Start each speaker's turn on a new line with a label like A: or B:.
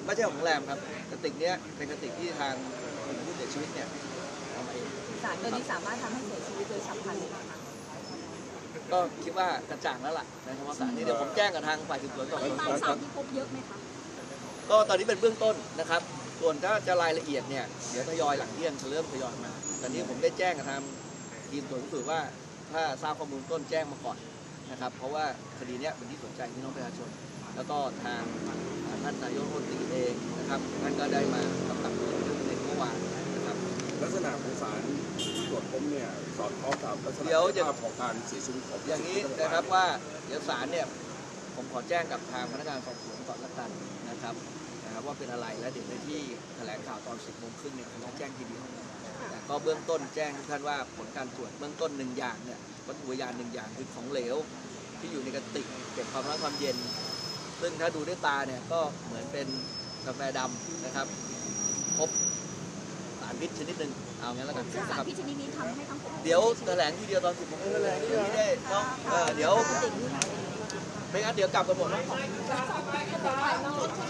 A: ไม่ใช่ของแรมครับกระติกเนี้ยเป็นกระติกที่ทางผู้เสียชีวิตเนี่ยเอามาเอง
B: สารตัวนี้สามารถทำให้เสียชีวิตโดยฉับพลันเลยนะคะ
A: ก็คิดว่ากระจ่างแล้วล่ะในเฉพาะสารนี้เดี๋ยวผมแจ้งกับทางฝ่ายสืบสวนก่อน
B: ปริมาณสารที่พบเยอะไหมคะ
A: ก็ตอนนี้เป็นเบื้องต้นนะครับส่วนถ้าจะรายละเอียดเนี่ยเดี๋ยวทยอยหลังเที่ยงจะเริ่มทยอยมาตอนนี้ผมได้แจ้งกับทางทีมตรวจพิสูจน์ว่าถ้าทราบข้อมูลต้นแจ้งมาก่อนนะครับเพราะว่าคดีนี้เป็นที่สนใจพี่น้องประชาชนแล้วก็ทางท่านนายกรัฐมนตรีเองนะครับท่านก็ได้มากำกับดูแลในเมื่อวานนะครับ
C: ลักษณะของสารตรวจพบเนี่ยสอดคล้องกับลักษณะภาพของการเสียชีวิตของ
A: อย่างนี้นะครับว่าเดี๋ยวศาลเนี่ยผมขอแจ้งกับทางพนักงานสอบสวนก่อนละกันนะครับว่าเป็นอะไรและเดี๋ยวในที่แถลงข่าวตอน 10:30 เนี่ยผมจะแจ้งทีเดียวแต่ก็เบื้องต้นแจ้งทุกท่านว่าผลการตรวจเบื้องต้น1อย่างเนี่ยวัตถุพยาน1อย่างคือของเหลวที่อยู่ในกระติกเก็บความร้อนความเย็นซึ่งถ้าดูด้วยตาเนี่ยก็เหมือนเป็นกาแฟดำนะครับพบสารพิษชนิดหนึ่งเอางั้นแล้วกัน
B: สารพิษชนิดนี้ทำให้ทั้ง
A: เดี๋ยวแถลงทีเดียวตอน 10:30ไม่ได้ต้องเดี๋ยวไม่งั้นเดี๋ยวกลับกันหมด